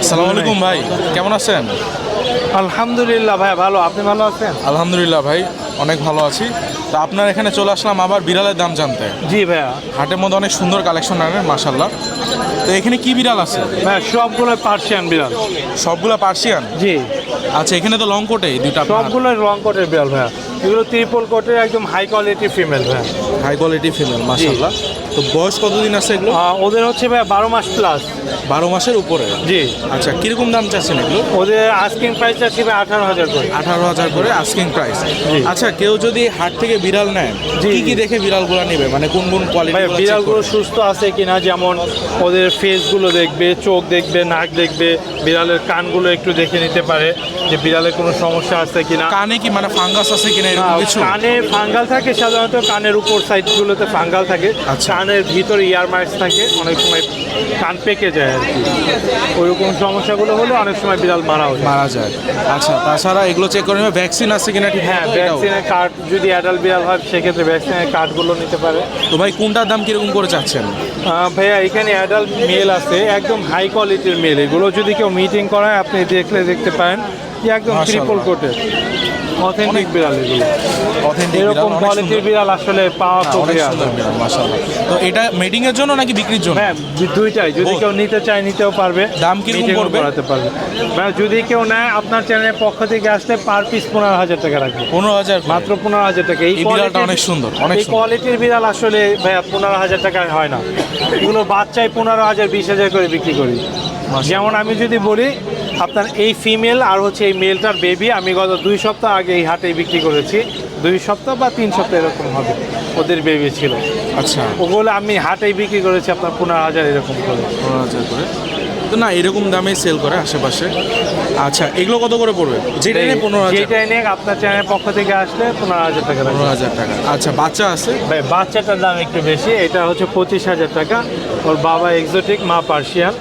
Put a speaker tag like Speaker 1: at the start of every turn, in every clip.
Speaker 1: আসসালামু আলাইকুম ভাই, কেমন আছেন?
Speaker 2: আলহামদুলিল্লাহ ভাই, ভালো। আপনি ভালো আছেন?
Speaker 1: আলহামদুলিল্লাহ ভাই, অনেক ভালো আছি। তো আপনার এখানে চলে আসলাম আবার বিড়ালের দাম জানতে।
Speaker 2: জি ভাইয়া।
Speaker 1: হাটের মধ্যে অনেক সুন্দর কালেকশন আনেন মাশাল্লাহ। তো এখানে কি বিড়াল আছে?
Speaker 2: ভাইয়া সবগুলো পার্সিয়ান বিড়াল।
Speaker 1: সবগুলা পার্সিয়ান?
Speaker 2: জি।
Speaker 1: আচ্ছা, এখানে তো লং কোটে দুইটা।
Speaker 2: সবগুলো রং কোটের বিড়াল ভাইয়া। এগুলো ট্রিপল কোটের একদম হাই কোয়ালিটি ফিমেল ভাইয়া।
Speaker 1: হাই কোয়ালিটি ফিমেল মাশাল্লাহ। তো বয়স কতদিন আছে এগুলো?
Speaker 2: ওদের হচ্ছে ভাইয়া 12 মাস প্লাস।
Speaker 1: 12 মাসের উপরে?
Speaker 2: জি।
Speaker 1: আচ্ছা, কিরকম দাম চাচ্ছেন এগুলো?
Speaker 2: ওদের আস্কিং প্রাইস আছে ভাই 18,000 করে।
Speaker 1: 18,000 করে আস্কিং প্রাইস।
Speaker 2: জি।
Speaker 1: আচ্ছা, কেউ যদি হাট থেকে বিড়াল নেয়,
Speaker 2: জি।
Speaker 1: কি কি দেখে বিড়ালগুলো নেবে, মানে কোন কোন কোয়ালিটি?
Speaker 2: ভাই বিড়ালগুলো সুস্থ আছে কিনা, যেমন ওদের ফেসগুলো দেখবে, চোখ দেখবে, নাক দেখবে, বিড়ালের কানগুলো একটু দেখে নিতে পারে যে বিড়ালের কোনো সমস্যা আছে কিনা।
Speaker 1: কানে কি মানে ফাঙ্গাস আছে কিনা এরকম কিছু?
Speaker 2: কানে ফাঙ্গাল থাকে, সাধারণত কানের উপর সাইডগুলোতে ফাঙ্গাল থাকে।
Speaker 1: আচ্ছা।
Speaker 2: কানের ভিতরে ইয়ার মার্কস থাকে, অনেক সময় কান পেকে যায় আর কি। ওইরকম সমস্যাগুলো হলে অনেক সময় বিড়াল
Speaker 1: মারা যায়। আচ্ছা, তাছাড়া এগুলো চেক করে নেবে ভ্যাকসিন আছে কিনা ঠিক?
Speaker 2: হ্যাঁ, ভ্যাকসিনের কার্ড, যদি অ্যাডাল্ট বিড়াল হয় সেক্ষেত্রে ভ্যাকসিনের কার্ডগুলো নিতে পারে।
Speaker 1: তো ভাই কোনটার দাম কিরকম করে চাচ্ছেন?
Speaker 2: ভাইয়া এখানে অ্যাডাল্ট মেল আছে, একদম হাই কোয়ালিটির মেল। এগুলো যদি কেউ মিটিং করায় আপনি দেখতে পারেন যে একদম ট্রিপল কোটের অথেন্টিক বিড়াল। এগুলো
Speaker 1: অথেন্টিক
Speaker 2: এরকম কোয়ালিটির বিড়াল আসলে পাওয়া খুব রেয়ার।
Speaker 1: মাশাআল্লাহ। তো এটা মিটিং এর জন্য নাকি বিক্রির জন্য?
Speaker 2: হ্যাঁ, দুইটাই। যদি কেউ নিতে চায় নিতেও পারবে।
Speaker 1: দাম কিরকম পড়বে?
Speaker 2: করাতে পারবে। যদি কেউ নেয় আপনার চ্যানেলের পক্ষ থেকে আসলে পার পিস 15,000 টাকা রাখবে।
Speaker 1: 15,000?
Speaker 2: মাত্র 15,000 টাকা।
Speaker 1: এই বিড়ালটা অনেক সুন্দর, অনেক
Speaker 2: এই কোয়ালিটির বিড়াল আসলে ভাইয়া 15,000 টাকায় হয় না। এগুলো বাচ্চায় 15,000 20,000 করে বিক্রি করি। যেমন আমি যদি বলি, আপনার এই ফিমেল আর হচ্ছে এই মেলটার বেবি আমি গত 2 সপ্তাহ আগে এই হাটে বিক্রি করেছি। 2 সপ্তাহ বা 3 সপ্তাহ এরকম হবে, ওদের বেবি ছিল।
Speaker 1: আচ্ছা,
Speaker 2: ওগুলো আমি হাটেই বিক্রি করেছি আপনার 15,000 এরকম করে।
Speaker 1: 15,000 করে? তো না, এরকম দামে সেল করে আশেপাশে। আচ্ছা, এগুলো কত করে পড়বে? যেটা নিয়ে 15,000?
Speaker 2: যেটা নিয়ে আপনার চ্যানেলের পক্ষ থেকে আসলে 15,000 টাকা।
Speaker 1: 15,000 টাকা। আচ্ছা, বাচ্চা আছে?
Speaker 2: ভাই বাচ্চাটার দাম একটু বেশি, এটা হচ্ছে 25,000 টাকা। ওর বাবা এক্সোটিক, মা পার্সিয়ান।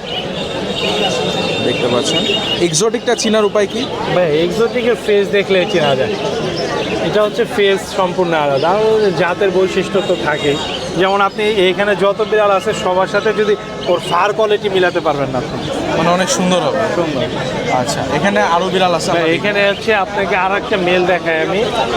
Speaker 1: দেখতে পাচ্ছেন। এক্সোটিকটা চিনার উপায় কি?
Speaker 2: ভাই এক্সোটিকের ফেস দেখলে চেনা যায়। এটা হচ্ছে ফেস সম্পূর্ণ আলাদা, আর ওর জাতের বৈশিষ্ট্য তো থাকেই। যেমন আপনি এখানে যত বিড়াল আছে সবার সাথে যদি ওর ফার কোয়ালিটি মিলাতে পারবেন না আপনি।
Speaker 1: মানে অনেক সুন্দর হবে।
Speaker 2: সুন্দর।
Speaker 1: আচ্ছা, এখানে আরো বিড়াল আছে?
Speaker 2: এখানে হচ্ছে আপনাকে আর একটা মেল দেখাই আমি।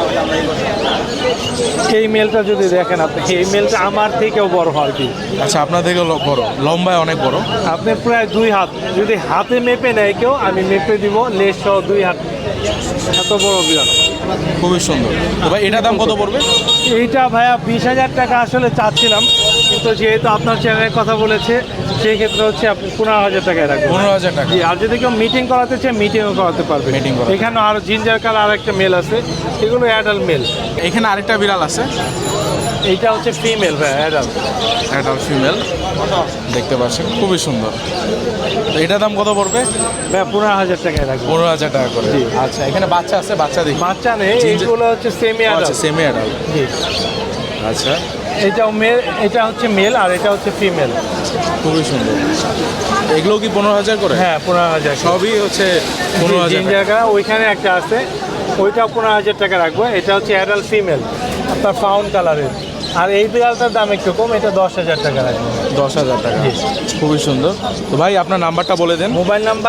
Speaker 2: এই মেলটা যদি দেখেন আপনি, এই মেলটা আমার থেকেও বড় আর কি।
Speaker 1: আচ্ছা, আপনার থেকে বড়, লম্বায় অনেক বড়।
Speaker 2: আপনি প্রায় 2 হাত, যদি হাতে মেপে নেয় কেউ, আমি মেপে দিব লেজ সহ 2 হাত, এত বড় বিড়াল।
Speaker 1: খুবই সুন্দর। তো ভাই এটার দাম কত পড়বে?
Speaker 2: এইটা ভাইয়া 20,000 টাকা আসলে চাচ্ছিলাম, কিন্তু যেহেতু আপনার চ্যানেলের কথা বলেছে সেই ক্ষেত্রে হচ্ছে আপনি 15,000 টাকায় রাখবেন।
Speaker 1: 15,000 টাকা?
Speaker 2: জি। আর যদি কেউ মিটিং করাতে চায় মিটিংও করাতে পারবে।
Speaker 1: মিটিং করা।
Speaker 2: এখানে আর জিঞ্জার কালার আর একটা মেল আছে, এগুলো অ্যাডাল্ট মেল।
Speaker 1: এখানে আরেকটা বিড়াল আছে,
Speaker 2: এইটা হচ্ছে ফিমেল ভাইয়া, অ্যাডাল্ট।
Speaker 1: অ্যাডাল্ট ফিমেল দেখতে পাচ্ছেন, খুবই সুন্দর। তো এটার দাম কত পড়বে?
Speaker 2: ভাইয়া 15,000 টাকায় রাখবেন।
Speaker 1: 15,000 টাকা করে?
Speaker 2: জি।
Speaker 1: আচ্ছা, এখানে বাচ্চা আছে? বাচ্চা দেখি।
Speaker 2: বাচ্চা নেই, এইগুলো হচ্ছে সেমি
Speaker 1: আচ্ছা,
Speaker 2: অ্যাডাল্ট।
Speaker 1: Semi adult.
Speaker 2: জি।
Speaker 1: আচ্ছা,
Speaker 2: এটাও মেল, এটা হচ্ছে মেল আর এটা হচ্ছে ফিমেল।
Speaker 1: খুবই সুন্দর। এগুলো কি 15,000 করে?
Speaker 2: হ্যাঁ, 15,000।
Speaker 1: সবই হচ্ছে 15,000
Speaker 2: জিঞ্জার কালার। ওইখানে একটা আছে, ওইটাও 15,000 টাকা রাখবো। এটা হচ্ছে অ্যাডাল্ট ফিমেল, আপনার ফাউন্ড কালারের। আর এই বিড়ালটার দাম একটু কম, এটা 10,000 টাকা রাখবো।
Speaker 1: 10,000 টাকা? খুবই সুন্দর। তো ভাই আপনার নাম্বারটা বলে দেন।
Speaker 2: Mobile number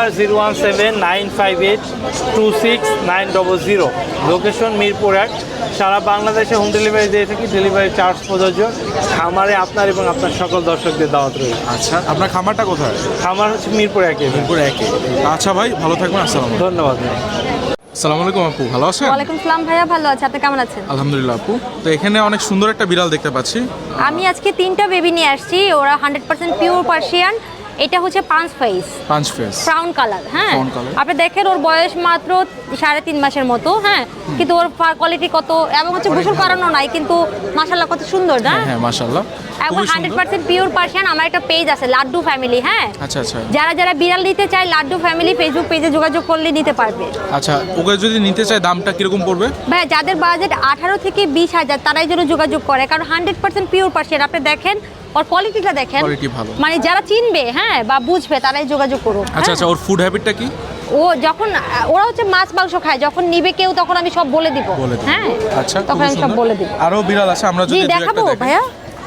Speaker 2: 01795826900। লোকেশন মিরপুর 1। সারা বাংলাদেশে হোম ডেলিভারি দিয়ে থাকি, ডেলিভারি চার্জ প্রযোজ্য। খামারে আপনার এবং আপনার সকল দর্শকদের দাওয়াত রয়েছে।
Speaker 1: আচ্ছা, আপনার খামারটা কোথায়?
Speaker 2: খামার হচ্ছে মিরপুর 1।
Speaker 1: মিরপুর 1। আচ্ছা ভাই, ভালো থাকবেন। আসসালাম।
Speaker 2: ধন্যবাদ।
Speaker 1: আসসালামু আলাইকুম আপু, ভালো আছেন?
Speaker 3: ওয়ালাইকুম সালাম ভাইয়া, ভালো আছে। আপনি কেমন আছেন?
Speaker 1: আলহামদুলিল্লাহ আপু। তো এখানে অনেক সুন্দর একটা বিড়াল দেখতে পাচ্ছি।
Speaker 3: আমি আজকে 3টা বেবি নিয়ে আসছি, ওরা 100% পিওর পার্সিয়ান। এটা হচ্ছে 5 ফেস,
Speaker 1: 5 ফেস
Speaker 3: ব্রাউন কালার। হ্যাঁ,
Speaker 1: Brown color।
Speaker 3: আপনি দেখেন ওর বয়স মাত্র 3.5 মাসের মতো। হ্যাঁ, কিন্তু ওর ফার কোয়ালিটি কত, এবং হচ্ছে গোসল করানো নাই, কিন্তু মাশাআল্লাহ কত সুন্দর না?
Speaker 1: হ্যাঁ, মাশাআল্লাহ,
Speaker 3: এবং 100% পিওর পার্সিয়ান। আমার একটা পেজ আছে লাড্ডু ফ্যামিলি। হ্যাঁ,
Speaker 1: আচ্ছা আচ্ছা।
Speaker 3: যারা যারা বিড়াল নিতে চায় লাড্ডু ফ্যামিলি ফেসবুক পেজে যোগাযোগ করলে নিতে পারবে।
Speaker 1: আচ্ছা, ওকে যদি নিতে চায় দামটা কিরকম পড়বে?
Speaker 3: ভাইয়া যাদের বাজেট 18 থেকে 20,000 তারাই যেন যোগাযোগ করে, কারণ 100% পিওর পার্সিয়ান। আপনি দেখেন ওর কোয়ালিটিটা দেখেন,
Speaker 1: কোয়ালিটি ভালো।
Speaker 3: মানে যারা চিনবে হ্যাঁ বা বুঝবে তারাই যোগাযোগ করুন।
Speaker 1: আচ্ছা আচ্ছা, ওর ফুড হ্যাবিটটা কি?
Speaker 3: ও যখন ওরা হচ্ছে মাছ মাংস খায়, যখন নিবে কেউ তখন আমি সব বলে দিব।
Speaker 1: বলে দিন।
Speaker 3: হ্যাঁ,
Speaker 1: আচ্ছা,
Speaker 3: তখন আমি সব বলে দিব।
Speaker 1: আরো বিড়াল আছে, আমরা
Speaker 3: জি
Speaker 1: যদি
Speaker 3: দেখাবো ভাইয়া।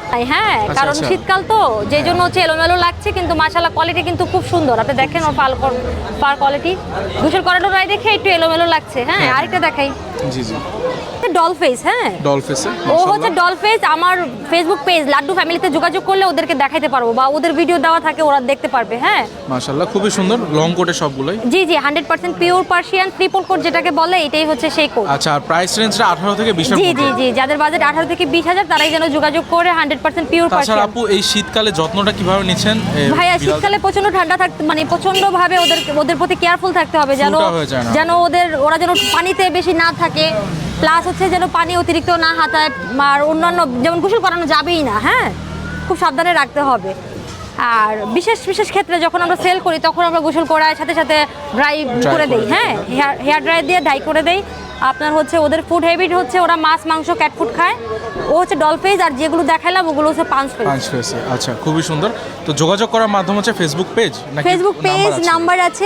Speaker 3: হ্যাঁ, কারণ
Speaker 1: আচ্ছা।
Speaker 3: শীতকাল তো যেই জন্য হচ্ছে এলোমেলো লাগছে, কিন্তু মাশাআল্লাহ কোয়ালিটি কিন্তু খুব সুন্দর। আপনি দেখেন ওর পার কোয়ালিটি, গোসল করানো রায় দেখে একটু এলোমেলো লাগছে। হ্যাঁ, আরেকটা দেখাই,
Speaker 1: জি জি,
Speaker 3: ডল ফেস। হ্যাঁ,
Speaker 1: ডল ফেসে
Speaker 3: ও হচ্ছে ডল ফেস। আমার ফেসবুক পেজ লাড্ডু ফ্যামিলিতে যোগাযোগ করলে ওদেরকে দেখাইতে পারবো, বা ওদের ভিডিও দেওয়া থাকে, ওরা দেখতে পারবে। হ্যাঁ
Speaker 1: মাশাআল্লাহ, খুবই সুন্দর লং কোটে সবগুলোই।
Speaker 3: জি জি, 100% পিওর পার্সিয়ান ট্রিপল কোট যেটাকে বলে, এটাই হচ্ছে সেই কোট।
Speaker 1: আচ্ছা, আর প্রাইস রেঞ্জটা 18 থেকে 20 এর
Speaker 3: জি
Speaker 1: মধ্যে।
Speaker 3: জি জি, যাদের বাজেট 18 থেকে 20,000 তারাই যেন যোগাযোগ করে, 100% পিওর
Speaker 1: তাছাড়া
Speaker 3: পার্সিয়ান।
Speaker 1: আপু এই শীতকালে যত্নটা কিভাবে নিচ্ছেন?
Speaker 3: ভাইয়া
Speaker 1: বিড়াল-
Speaker 3: শীতকালে প্রচন্ড ঠান্ডা থাকতে, মানে প্রচন্ড ভাবে ওদের প্রতি কেয়ারফুল থাকতে হবে, যেন
Speaker 1: ফুলটা হয়ে যায় না।
Speaker 3: যেন ওরা যেন পানিতে বেশি না থাকে, প্লাস হচ্ছে যেন পানি অতিরিক্ত না হাতায়, আর অন্যান্য যেমন গোসল করানো যাবেই না। হ্যাঁ, খুব সাবধানে রাখতে হবে। আর বিশেষ বিশেষ ক্ষেত্রে যখন আমরা সেল করি, তখন আমরা গোসল করার সাথে সাথে ড্রাই করে দেই। হ্যাঁ, হেয়ার ড্রাই দিয়ে ড্রাই করে দেই। আপনার হচ্ছে ওদের ফুড হ্যাবিট হচ্ছে ওরা মাছ, মাংস, ক্যাট ফুড খায়। ও হচ্ছে ডল ফেস, আর যেগুলো দেখাইলাম ওগুলো হচ্ছে পাঁচ ফেস।
Speaker 1: পাঁচ ফেসে। আচ্ছা, খুবই সুন্দর। তো যোগাযোগ করার মাধ্যম হচ্ছে ফেসবুক পেজ নাকি
Speaker 3: ফেসবুক পেজ নাম্বার আছে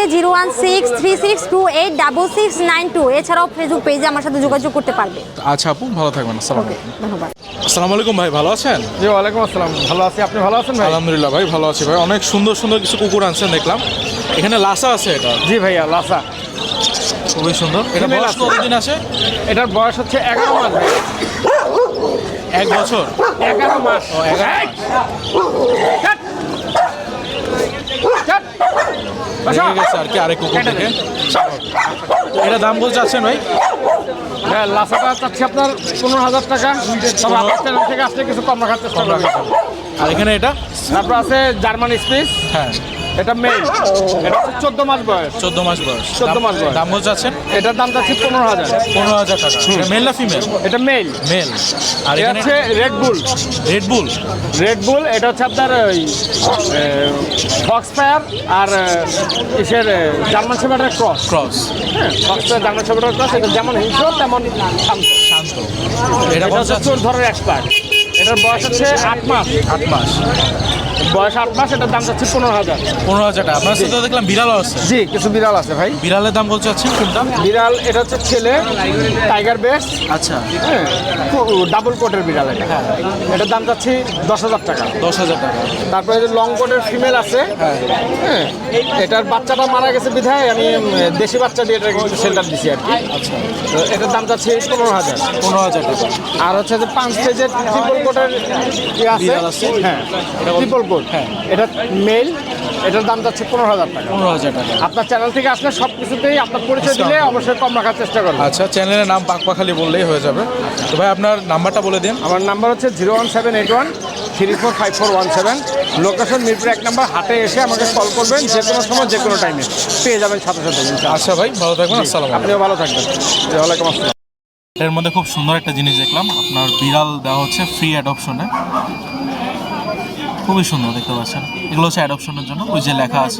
Speaker 3: 01636268692। এছাড়াও ফেসবুক পেজে আমার সাথে যোগাযোগ করতে পারবে।
Speaker 1: আচ্ছা আপু, ভালো থাকবেন। আসসালামু আলাইকুম।
Speaker 3: ধন্যবাদ।
Speaker 1: আসসালামু আলাইকুম ভাই, ভালো আছেন?
Speaker 2: জি, ওয়ালাইকুম আসসালাম। ভালো আছি, আপনি ভালো আছেন ভাই?
Speaker 1: আলহামদুলিল্লাহ ভাই, ভালো আছি ভাই। অনেক সুন্দর সুন্দর কিছু কুকুর আনছেন দেখলাম। এখানে লাসা আছে, এটা
Speaker 2: জি ভাইয়া, লাসা।
Speaker 1: খুবই সুন্দর। এটা
Speaker 2: Female
Speaker 1: বয়স
Speaker 2: আছে।
Speaker 1: কতদিন আছে?
Speaker 2: এটার বয়স হচ্ছে 11 মাস ভাই।
Speaker 1: 1 বছর।
Speaker 2: 11 মাস।
Speaker 1: ও, 11 লেগে গেছে আর কি আরেক কুকুর থেকে। এটা দাম বলতে চাচ্ছেন ভাই?
Speaker 2: হ্যাঁ, লাসাটা চাচ্ছি আপনার 15,000 টাকা। তবে আপনার চ্যানেল থেকে আসলে কিছু কম রাখার চেষ্টা করবেন।
Speaker 1: আর এখানে এটা?
Speaker 2: তারপর আছে জার্মান স্পিচ,
Speaker 1: হ্যাঁ,
Speaker 2: এটা মেল। এটা হচ্ছে 14 মাস বয়স।
Speaker 1: 14 মাস বয়স।
Speaker 2: 14 মাস বয়স।
Speaker 1: দাম বলতে চাচ্ছেন?
Speaker 2: এটার দাম চাচ্ছি 15,000।
Speaker 1: 15,000 টাকা। মেল না ফিমেল?
Speaker 2: এটা মেল।
Speaker 1: মেল। আর
Speaker 2: এটা
Speaker 1: এখানে
Speaker 2: হচ্ছে red bull.
Speaker 1: Red bull.
Speaker 2: Red bull এটা হচ্ছে আপনার ওই ফক্স ফায়ার আর ইসের জার্মান শেফার্ডের ক্রস।
Speaker 1: ক্রস।
Speaker 2: হ্যাঁ, ফক্স ফায়ার জার্মান শেফার্ডের ক্রস। এটা যেমন হিংস্র তেমন শান্ত।
Speaker 1: শান্ত। এটা
Speaker 2: এটা
Speaker 1: বলতে
Speaker 2: হচ্ছে
Speaker 1: চাচ্ছেন?
Speaker 2: চোর ধরার এক্সপার্ট। এটার বয়স হচ্ছে 8 মাস।
Speaker 1: 8 মাস।
Speaker 2: বয়স 8 মাস। এটার দাম যাচ্ছে 15,000।
Speaker 1: 15,000 টাকা। আপনার সাথে দেখলাম বিড়ালও আছে।
Speaker 2: জি, কিছু বিড়াল আছে ভাই।
Speaker 1: বিড়ালের দাম বলতে চাচ্ছেন কোনটা?
Speaker 2: বিড়াল এটা হচ্ছে ছেলে, টাইগার বেস।
Speaker 1: আচ্ছা,
Speaker 2: হ্যাঁ, ডাবল কোটের বিড়াল এটা। এটার দাম যাচ্ছে 10,000 টাকা।
Speaker 1: 10,000 টাকা।
Speaker 2: তারপরে যে লং কোটের ফিমেল আছে, হ্যাঁ, এটার বাচ্চাটা মারা গেছে বিধায় আমি দেশি বাচ্চা দিয়ে এটা একটু শেল্টার দিছি আর কি।
Speaker 1: আচ্ছা,
Speaker 2: তো এটার দাম যাচ্ছে 15,000।
Speaker 1: 15,000 টাকা।
Speaker 2: আর হচ্ছে যে 5 পেজের ট্রিপল কোটের
Speaker 1: বিড়াল আছে?
Speaker 2: হ্যাঁ, ট্রিপল কোট।
Speaker 1: হ্যাঁ।
Speaker 2: এটা মেল। এটার দাম যাচ্ছে 15,000 টাকা।
Speaker 1: 15,000 টাকা।
Speaker 2: আপনার চ্যানেল থেকে আসলে সব কিছুতেই আপনার পরিচয় দিলে অবশ্যই কম রাখার চেষ্টা করবেন।
Speaker 1: আচ্ছা, চ্যানেলের নাম পাকপাখালি বললেই হয়ে যাবে। তো ভাই আপনার নাম্বারটা বলে দিন।
Speaker 2: আমার নাম্বার হচ্ছে 01781345417। লোকেশন মিরপুর 1 নম্বর। হাটে এসে আমাকে কল করবেন, যে কোনো সময় যে কোনো টাইমে পেয়ে যাবেন সাথে সাথে।
Speaker 1: আচ্ছা ভাই, ভালো থাকবেন। আসসালামু আলাইকুম।
Speaker 2: আপনিও ভালো থাকবেন। ওয়ালাইকুম আসসালাম।
Speaker 1: এর মধ্যে খুব সুন্দর একটা জিনিস দেখলাম, আপনার বিড়াল দেওয়া হচ্ছে ফ্রি অ্যাডপশনে। খুবই সুন্দর দেখতে পাচ্ছেন। এগুলো হচ্ছে অ্যাডপশনের জন্য, ওই যে লেখা আছে।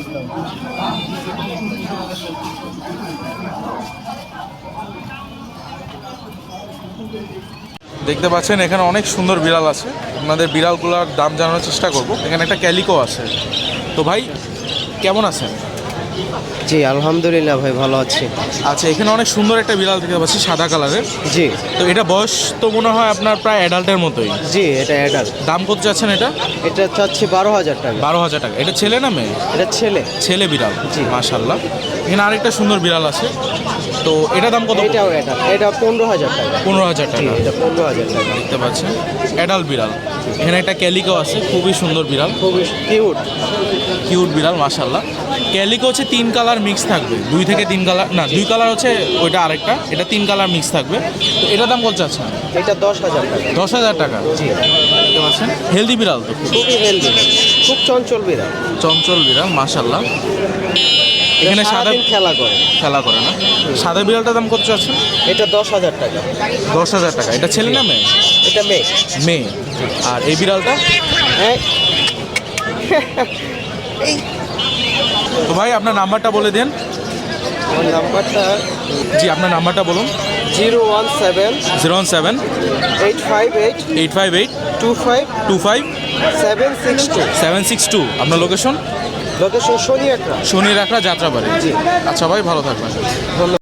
Speaker 1: দেখতে পাচ্ছেন এখানে অনেক সুন্দর বিড়াল আছে। আপনাদের বিড়ালগুলোর দাম জানানোর চেষ্টা করব। এখানে একটা ক্যালিকো আছে। তো ভাই কেমন আছেন?
Speaker 4: জি আলহামদুলিল্লাহ ভাই, ভালো আছি।
Speaker 1: আচ্ছা, এখানে অনেক সুন্দর একটা বিড়াল দেখতে পাচ্ছি, সাদা কালারের।
Speaker 4: জি
Speaker 1: তো এটা বয়স তো মনে হয় আপনার প্রায় অ্যাডাল্টের মতোই।
Speaker 4: জি, এটা অ্যাডাল্ট।
Speaker 1: দাম কত যাচ্ছেন এটা?
Speaker 4: এটা চাচ্ছি 12,000 টাকা।
Speaker 1: 12,000 টাকা। এটা ছেলে না মেয়ে?
Speaker 4: এটা ছেলে।
Speaker 1: ছেলে বিড়াল।
Speaker 4: জি।
Speaker 1: মাশাআল্লাহ। এখানে আরেকটা সুন্দর বিড়াল আছে। তো এটা দাম কত?
Speaker 4: এটাও অ্যাডাল্ট। এটা 15,000 টাকা।
Speaker 1: 15,000
Speaker 4: জি,
Speaker 1: টাকা।
Speaker 4: এটা 15,000 টাকা।
Speaker 1: দেখতে পাচ্ছেন অ্যাডাল্ট বিড়াল। এখানে একটা ক্যালিকো আছে, খুবই সুন্দর বিড়াল,
Speaker 4: খুবই কিউট।
Speaker 1: কিউট বিড়াল মাশাআল্লাহ। ক্যালিকো হচ্ছে 3 কালার মিক্স থাকবে, 2 থেকে 3 কালার না, 2 কালার হচ্ছে ওইটা আরেকটা, এটা 3 কালার মিক্স থাকবে। তো এটা দাম কত যাচ্ছে?
Speaker 4: এটা 10,000 টাকা।
Speaker 1: 10,000 টাকা।
Speaker 4: জি,
Speaker 1: দেখতে পাচ্ছেন হেলদি বিড়াল তো,
Speaker 4: খুবই হেলদি, খুব চঞ্চল বিড়াল।
Speaker 1: চঞ্চল বিড়াল মাশাআল্লাহ। এখানে সাদা
Speaker 4: সারাদিন খেলা করে।
Speaker 1: খেলা করে না? সাদা বিড়ালটার দাম কত যাচ্ছে?
Speaker 4: এটা 10,000 টাকা।
Speaker 1: 10,000 টাকা। এটা ছেলে না মেয়ে?
Speaker 4: এটা মেয়ে।
Speaker 1: মেয়ে। আর এই বিড়ালটা?
Speaker 4: হ্যাঁ,
Speaker 1: তো ভাই আপনার নাম্বারটা বলে দেন।
Speaker 4: আমার নাম্বারটা
Speaker 1: জি, আপনার নাম্বারটা বলুন।
Speaker 4: 017
Speaker 1: 017
Speaker 4: 858
Speaker 1: 858
Speaker 4: 25
Speaker 1: 25
Speaker 4: 762।
Speaker 1: 762। আপনার লোকেশন?
Speaker 4: লোকেশন শনি একটা।
Speaker 1: শনি রাখরা যাত্রাবাড়ি।
Speaker 4: জি।
Speaker 1: আচ্ছা ভাই, ভালো থাকবেন।
Speaker 4: ধন্যবাদ।